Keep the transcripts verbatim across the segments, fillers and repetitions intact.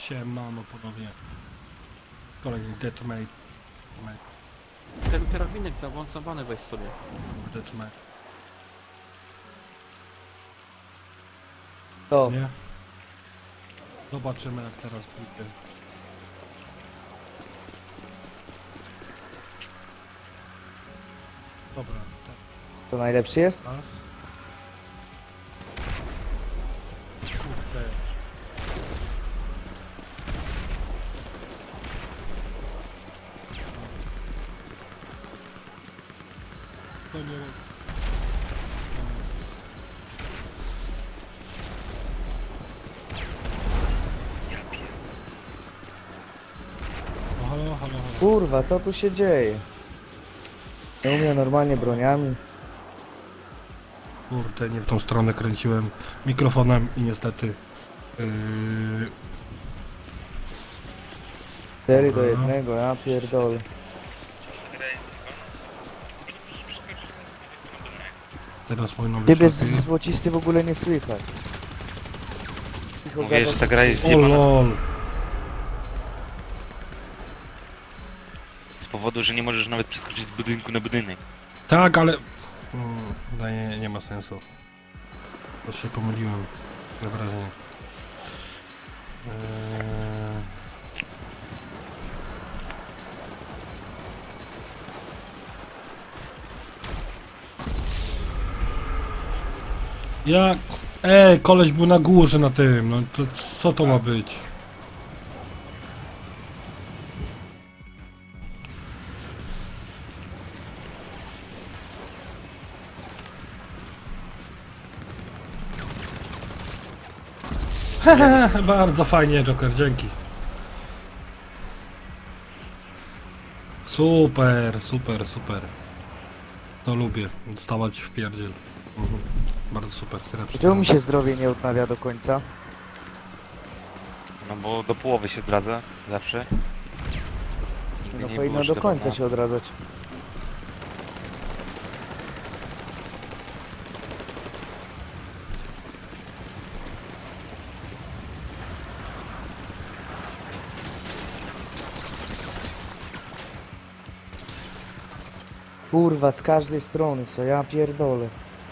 Siemano ponownie. Kolejny deathmate. Ten karabinek zaawansowany weź sobie. Deathmate. To. Nie? Zobaczymy jak teraz pójdzie. Dobra, tak. To najlepszy jest? Raz. Kurde. To nie... No halo, halo, halo. Kurwa, co tu się dzieje? Nie umiem normalnie broniami. Kurde, nie w tą stronę kręciłem mikrofonem i niestety... Yy... cztery do Dobra. jednego, ja pierdolę. Teraz powinno być Ciebie lepiej. z- złocisty w ogóle nie słychać. Cicho Mówię, gadasz. że ta gra jest O zjebana lol. z powodu, że nie możesz nawet przeskoczyć z budynku na budynek. Tak, ale... Mm, no nie, nie ma sensu. To się pomyliłem. Na wrażenie. Eee... Jak? Ej, koleś był na górze na tym, no to co to ma być? Hehe, bardzo fajnie, Joker, dzięki. Super, super, super. To lubię, stawać w pierdziel. Mhm. Bardzo super, srebrny. Czemu mi się zdrowie nie odnawia do końca? No bo do połowy się zdradza zawsze. Nigdy No nie powinno było, że do to końca było- się odradzać. Kurwa, z każdej strony, co ja pierdolę.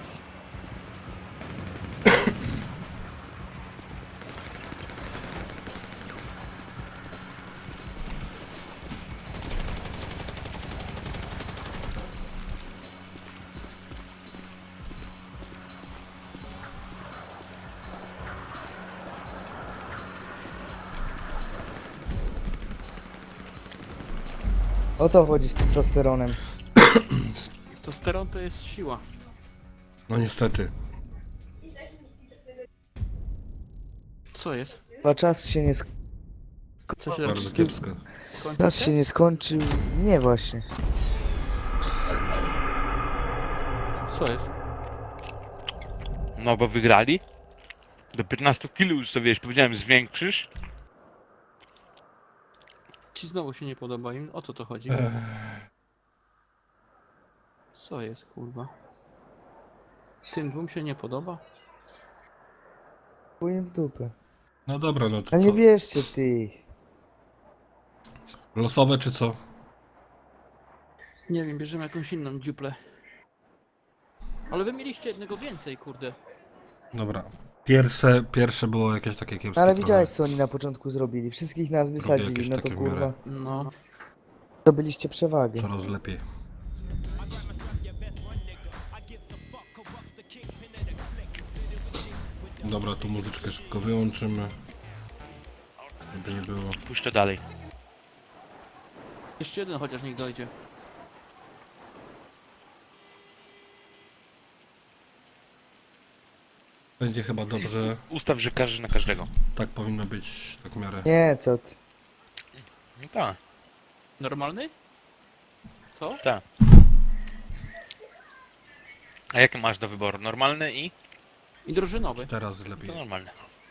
O co chodzi z tym testosteronem? Testosteron to jest siła. No niestety. Co jest? Chyba czas się nie sk... Co się Bardzo robi? kiepsko. Kończy Czas się nie skończył. Nie właśnie. Co jest? No bo wygrali. Do piętnastu kilo już sobie, wiesz, powiedziałem, zwiększysz. Ci znowu się nie podoba im? O co to chodzi? Eee, Co jest, kurwa? Tym dwóm się nie podoba? Chuj w dupę. no dobra, no to A co? nie bierzcie ty. Losowe czy co? Nie wiem, bierzemy jakąś inną dziuplę. Ale wy mieliście jednego więcej, kurde. Dobra. Pierwsze, pierwsze było jakieś takie kiepskie. Ale trochę. widziałeś co oni na początku zrobili. Wszystkich nas wysadzili, jakieś no to takie w kurwa. miarę. No. Zdobyliście przewagę. Coraz lepiej. Dobra, tu muzyczkę szybko wyłączymy. Żeby nie było. Puszczę dalej. Jeszcze jeden chociaż niech dojdzie. Będzie chyba dobrze. Ustaw, że każdy na każdego. Tak powinno być, tak w miarę. Nie, co ty. No tak, Normalny? Co? tak. A jakie masz do wyboru? Normalny i? I drużynowy. Teraz lepiej. To normalne.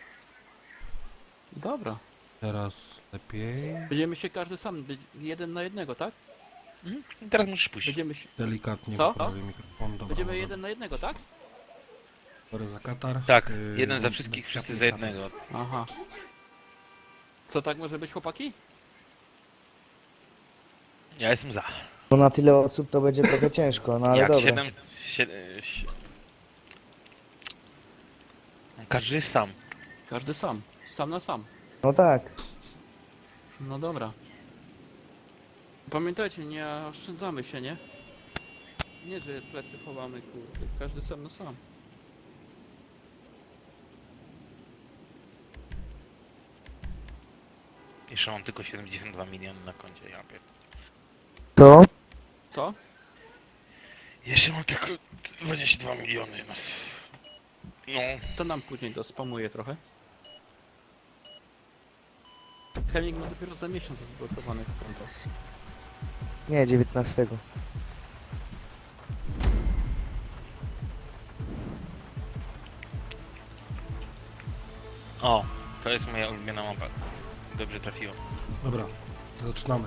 Dobra. Teraz lepiej. Będziemy się każdy sam, być jeden na jednego, tak? Mhm. I teraz musisz puścić. Będziemy się... Delikatnie Co? poprawię mikrofon. Dobra, Będziemy może. jeden na jednego, tak? Sorry za katar. Tak, Yy, jeden za delikatnie wszystkich, wszyscy za katar. jednego. Aha. Co tak może być, chłopaki? Ja jestem za. Bo na tyle osób to będzie trochę ciężko, no ale Jak dobra. siedem... siedem si... Każdy jest sam. Każdy sam. Sam na sam. No tak. No dobra. Pamiętajcie, nie oszczędzamy się, nie? Nie, że plecy chowamy, kurde. Każdy sam na sam. Jeszcze mam tylko siedemdziesiąt dwa miliony na koncie, ja pier... To? Co? Jeszcze mam tylko dwadzieścia dwa miliony. No. No. To nam później dospamuję trochę. Chemik ma dopiero za miesiąc zblokowane konto. Nie, dziewiętnastego. O, to jest moja ulubiona mapa. Dobrze trafiło. Dobra, to zaczynamy.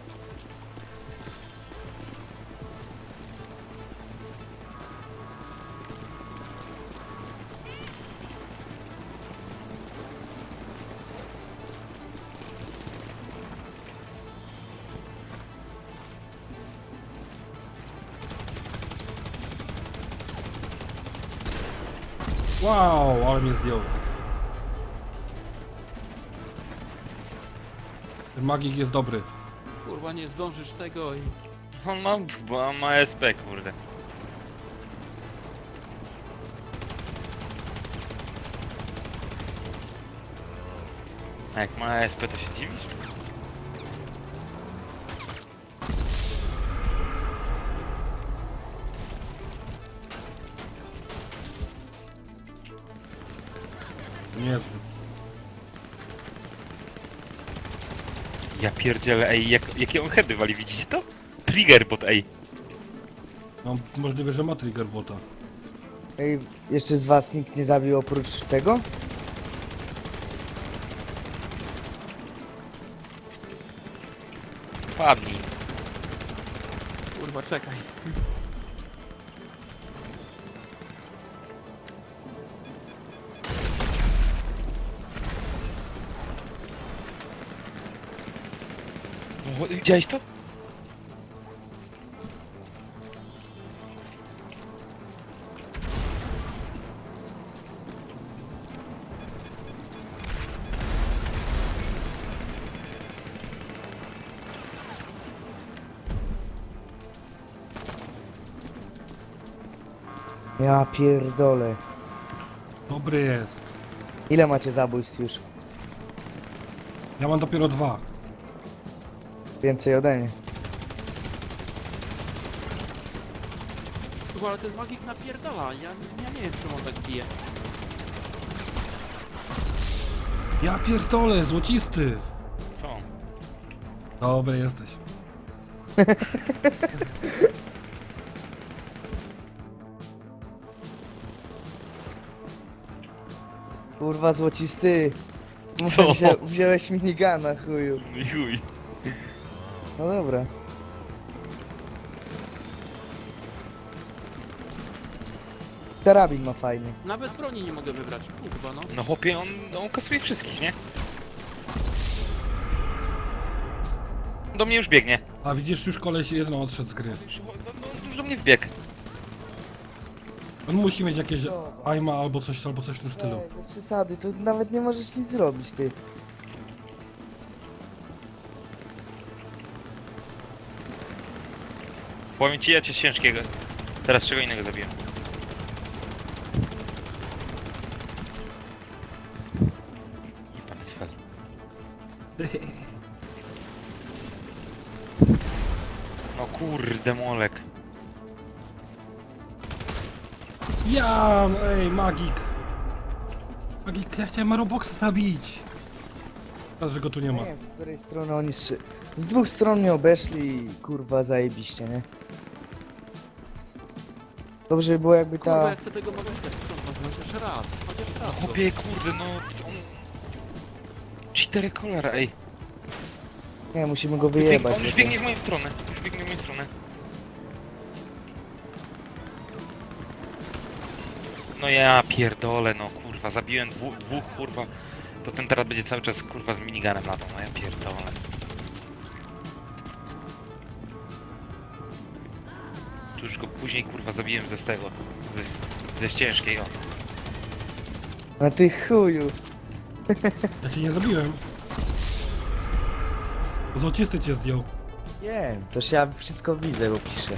Wow, ale mnie zdjął. Ten magik jest dobry. Kurwa, nie zdążysz tego i... On ma, bo on ma S P, kurde. A jak ma S P, to się dziwisz? Niezły. Ja pierdzielę, ej, jak, jakie on heady wali, widzicie to? Triggerbot, ej. No, możliwe, że ma trigger bota. Ej, jeszcze z was nikt nie zabił oprócz tego? Padnij. Kurwa, czekaj. No, widziałeś to? Ja pierdolę. Dobry jest. Ile macie zabójstw już? Ja mam dopiero dwa. Więcej ode mnie. Kurwa, ale ten magik napierdala. Ja, ja nie wiem, czemu on tak bije. Ja pierdolę, złocisty. Co? Dobry jesteś. Kurwa złocisty. Co? Wzię, wziąłeś minigana, chuju. Chuj. No dobra. Karabin ma fajny. Nawet broni nie mogę wybrać, kurwa, no. No chłopie, on, on kasuje wszystkich, nie? Do mnie już biegnie. A widzisz, już koleś jedno odszedł z gry. Już, no, no, już do mnie wbiegł. On musi mieć jakieś aima albo coś, albo coś w tym stylu. Ej, bez przesady, to nawet nie możesz nic zrobić, ty. Powiem ci, ja cię z ciężkiego. Teraz czego innego zabiję. I pan jest fel. No kurde, molek. Ja, no ej, magik. Magik, ja chciałem Roboxa zabić. Teraz, że go tu nie Nie ma. wiem, z której strony oni strzy... Z dwóch stron mnie obeszli i kurwa zajebiście, nie? Dobrze by było jakby Kurwa, ta... jak chcę tego magika sprzątnąć, chociaż raz. Chociaż raz. No chłopie, kurde, no on... Cztery kolera, ej. Nie, musimy go Bieg... wyjebać. On już bo to- biegnie w moją stronę. Już biegnie w moją stronę. No ja pierdolę, no kurwa, zabiłem dwóch, dwóch kurwa To ten teraz będzie cały czas kurwa z miniganem latał, no ja pierdolę. Tu już go później kurwa zabiłem ze z tego. Ze, ze ścieżkiej, o. A ty chuju. Ja cię nie zabiłem. Złocisty cię zdjął. Nie, toż ja wszystko widzę, bo piszę.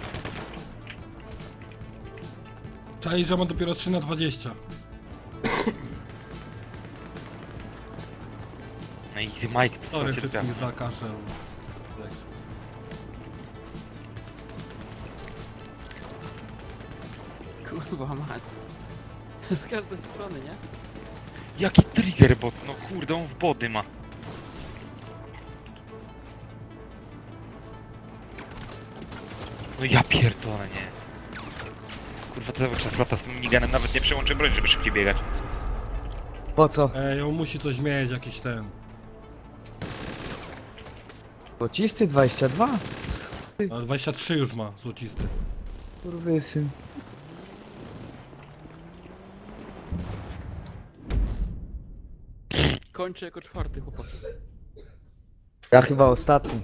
Czaj, że ma dopiero trzy na dwadzieścia. No i ty Mike, Sorry posłuchajcie, wszystkich za kaszel. Kurwa mać. Z każdej strony, nie? Jaki trigger bot, no kurde, on w body ma. No ja pierdolę, nie. Kurwa, cały czas lata z tym miniganem, nawet nie przełączę broń, żeby szybciej biegać. Po co? Ej, on musi coś mieć, jakiś ten. Złocisty dwadzieścia dwa? A dwadzieścia trzy już ma, złocisty. Kurwysyn. Kończę jako czwarty chłopak. Ja chyba ostatni.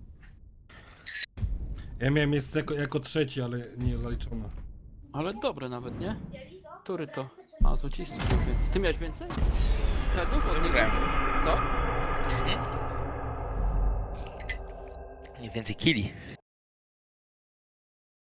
Ja miałem jest jako, jako trzeci, ale nie zaliczone. Ale dobre nawet, nie? Który to? A, złocisty był, więc... Ty miałeś więcej? Headów od niego? Wygrałem. Co? Nie więcej killi.